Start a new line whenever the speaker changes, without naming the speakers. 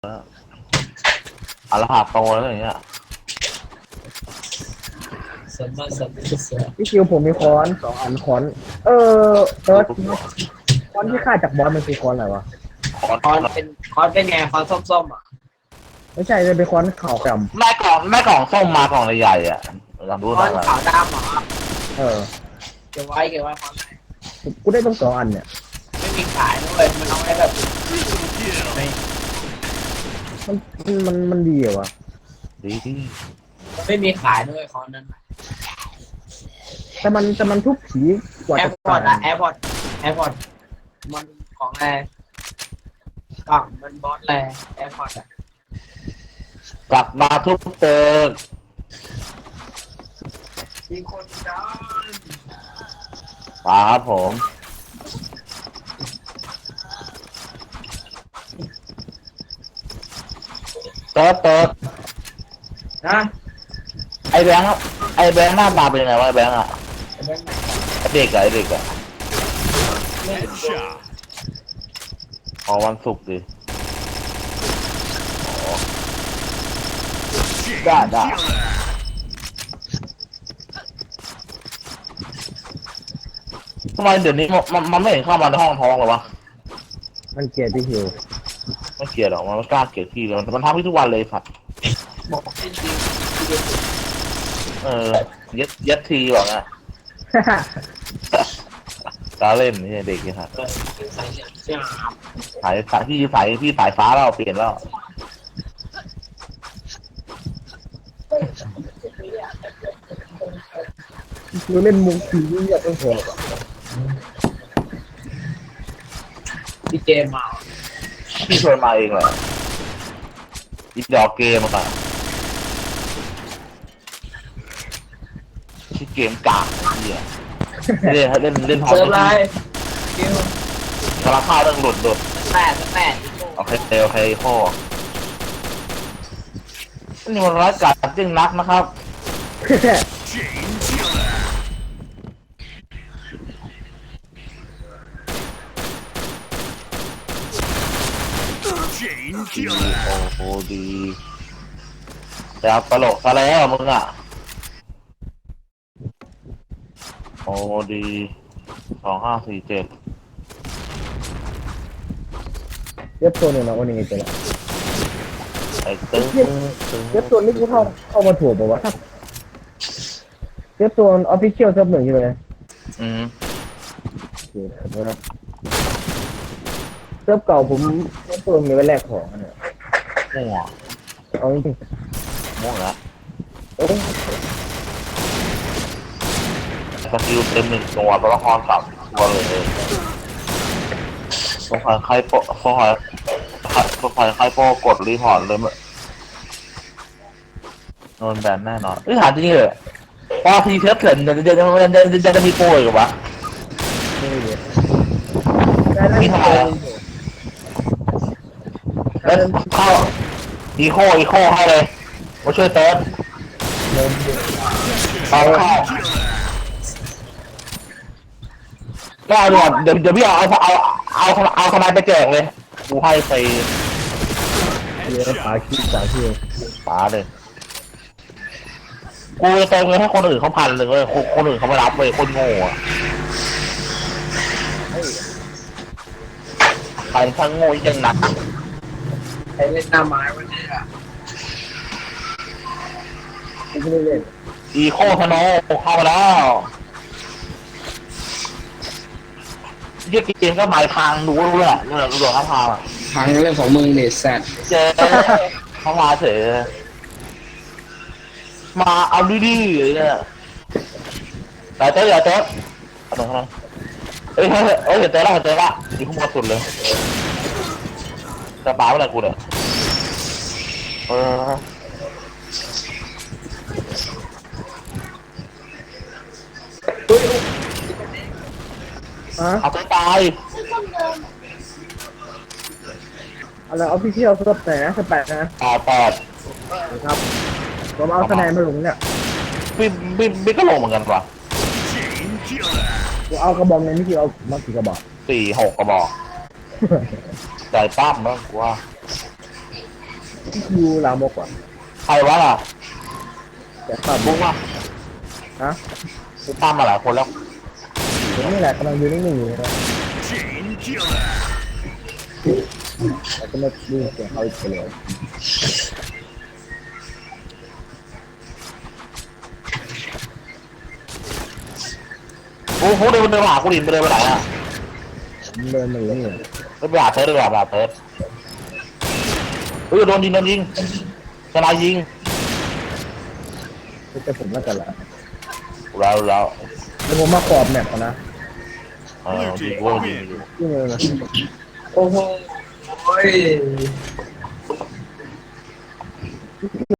อาราหาโตแล้วอย่างเงี้ย
พี่คิวผมมีค้อน2 อันค้อนเออเอิร์ธค้อนที่ฆ่าจากบอสมันคือค้อนอะไรวะ
คอน
คอนเป็นไงคอนส้มๆอ่ะ
ไม่ใช่เลยเป็นค้อนขาวด
แม่กล่องส้มมากล่องใหญ่ๆอ่ะลองดู
ค
ห
อ
น่อน ย
ขาวดำเหรอ
เออ
เก็บไว้คอนไหน
กูได้ต้อง2 อันเนี่ย
ไม่มีขายด้วยมันเอาไว้แบบ
มันดีเหรอวะ
ดีที่
ไม่มีขายด้วยคอนนั้น
แต่มันทุบผีกว่า
แอ
จะ
ร์พอร์ต
ตา
อะ
ย
แอร์พอร์ตมันของอะไรกล่องมันบอสแรแอร์พอร์ตอะ
กลับมาทุกเติม
มีคนดัน
มาครับผมเติร์ด
นะ
ไอแบงค์หน้าตาเป็นยังไงวะไอแบงค์อ่ะไอเด็กอ่ะขอวันศุกร์ดิได้ทำไมเดี๋ยวนี้มันไม่เห็นเข้ามาในห้องท้องหรอวะ
มันเกลียดพี่คิว
ไม่เกลียดหรอกมันไม่กล้าเกลียดพี่เลยมันทำให้ทุกวันเลยสัตว์
บอกจริง
ยัดทีบอกนะกล้าเล่นนี่เด็กนี่ครับ
ใส่เสื้อ
สายพี่สายฟ้าแล้วเปลี่ยนแล้ว
พี่คิวเล่นมุกผีนี่อยากต้องหัว
พี่เจมมา
พี่ชวนมาเองแหละอีดอกเกมอะที่เกมกากเหี้ยเล่นพอ
เซิร์ฟไลน์คิว
กระข้าวเรื่องหลุด
แปด
โอเคข้อนี่มันร้ายกาจจริงนักนะครับ ดีโอ้ดีแต่เอาตลกซะแล้วมึงอ่ะโอ้ดี2547
เย็บตัวหนึ่งนะวันนี้เจอแล้ว
ไอ้ตึ้ง
เย็บตัวนี้กูเข้ามาถูกป่าวะเย็บตัวออฟฟิเชียลซับหนึ่งใช่ไหม
อืม
โอเคนะครับเซิร์ฟเก่าผมเซิร์ฟตัวมีไว้แลกของเนี่ย
ม่วง
เอาจริง
ม่วงแล้ว
ๆโอ้ย
สกิลเต็ม1 ตัวตัวละคร3 ตัวเลยสงสัยใครโปกดรีพอร์ตเลยโดนแบนแน่นอนถามจริงเหรอพอทีเทปเถื่อนจะมีโปรอีกวะ
ไม่ได้เลย
มีทำไมแล้วเข้าอีโคให้เลยมาช่วยเติร์ดเอาเข้าก็เอาด่วนเดี๋ยวพี่เอาทนายไปแจกเลยกูให้ไป
เยอะปาขี้สาขี้
ป๋าเลยกูจะเติมเงินให้คนอื่นเขา1,000เลยเว้ยคนอื่นเขาไม่รับเว้ยคนโง่อะใครทั้งโง่ยังหนัก
ใครเล่นหน้าไม้วันนี้อ่ะ
กูไม่ได้เล่น
อีโคธโนเข้ามาแล้วเรียกเกมก็หมายทางดูด้วยแหละเนี่ยดูเขาพา
ทางเรื่องของมึงเนี่ยแซด
เจอเขามาเฉยมาเอาดีๆเลยเนี่ยแต่เจ๊อย่าเจ๊เอาตรงนั้นเฮ้ยเห็นเจ๊ละดีขึ้นมาสุดเลยจะป้าเมื่อไหร่กูเนี่ยเอาไปตาย
อะไรออฟฟิเชียลซับแต่นะ8นะ
8
ครับผมเอาคะแนนมาลงเนี่ย
พี่ก็ลงเหมือนกันป่ะ
กูเอากระบอกในนี่คือเอามากี่กระบอก
4-6 กระบอกใจปั้มมั้งกูว่า
พี่คิวลามกว่ะ
ใครวะล่ะ
แต่ข้าม
บุ้งวะ
ฮะ
กูตามมาหลายคนแล้ว
เดี๋ยวนี่แหละกำลังยืนนิ่งๆอยู่นะ
Chain killer.
แต่ก็ไม่ดูเสียงเขาอีกเลย
โอ้โหเดินมาหากูดินไปเดินไปไหนอ่ะ
ผมเดินมาอยู่นี่
ไปหาเติร์ดเลยไปหาเติร์ดเฮ้ยโดนยิงชนะยิง
ไม่ใช่ผมแล้วกันละ
แล้ว
เดี๋ยวผมมาขอบแมปก่อนนะ
ยิงกูยิงอยู่
นี่เลยนะ
โอ้โห